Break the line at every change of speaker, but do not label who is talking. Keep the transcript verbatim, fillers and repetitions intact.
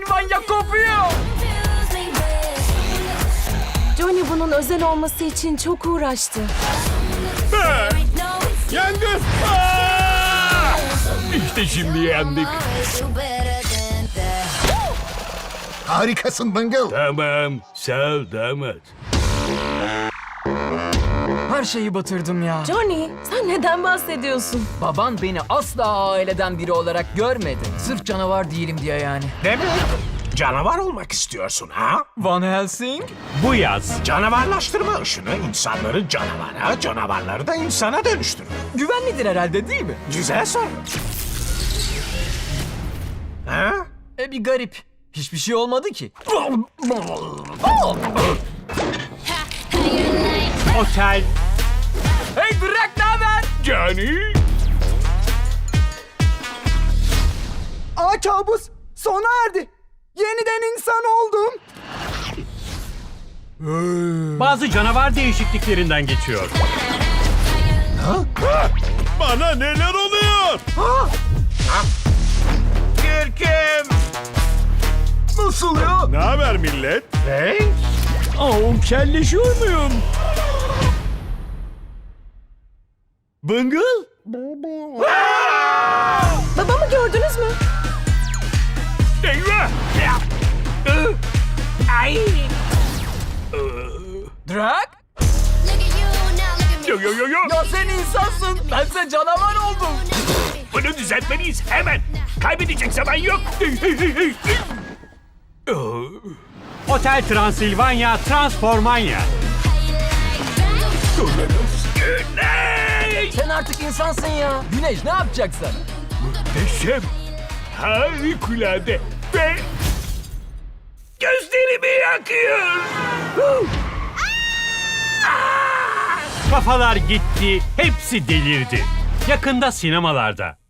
Transilvanya kopuyor.
Johnny bunun özel olması için çok uğraştı.
Yangın! Aa! İşte şimdi yendik.
Harikasın Bungle.
Tamam, sağ ol damat.
Her şeyi batırdım ya.
Johnny, sen neden bahsediyorsun?
Baban beni asla aileden biri olarak görmedi. Sırf canavar değilim diye yani.
Demek canavar olmak istiyorsun ha?
Van Helsing?
Bu yaz
Canavarlaştırma ışını insanları canavara, canavarları da insana dönüştürür.
Güvenlidir herhalde değil mi?
Güzel soru. Ha?
E bir garip. Hiçbir şey olmadı ki.
otel
Hey Drak, ne haber?
Johnny.
Aa kabus sona erdi. Yeniden insan oldum.
Bazı canavar değişikliklerinden geçiyor. Bana neler oluyor?
Kürküm!
Nasıl ya?
Ne haber millet?
Hey?
Aa, kelleşiyor muyum? Bungle?
Babamı gördünüz mü?
Eyvah!
Ay!
Drak?
Yo yo yo yo!
Ya sen insansın. Bense canavar oldum.
Bunu düzeltmeliyiz hemen. Kaybedecek zaman yok. Otel Transilvanya Transformanya. Güney!
Sen artık insansın ya. Güneş ne yapacaksın?
Muhteşem. Harikulade. Ve gözlerimi yakıyor. Kafalar gitti. Hepsi delirdi. Yakında sinemalarda.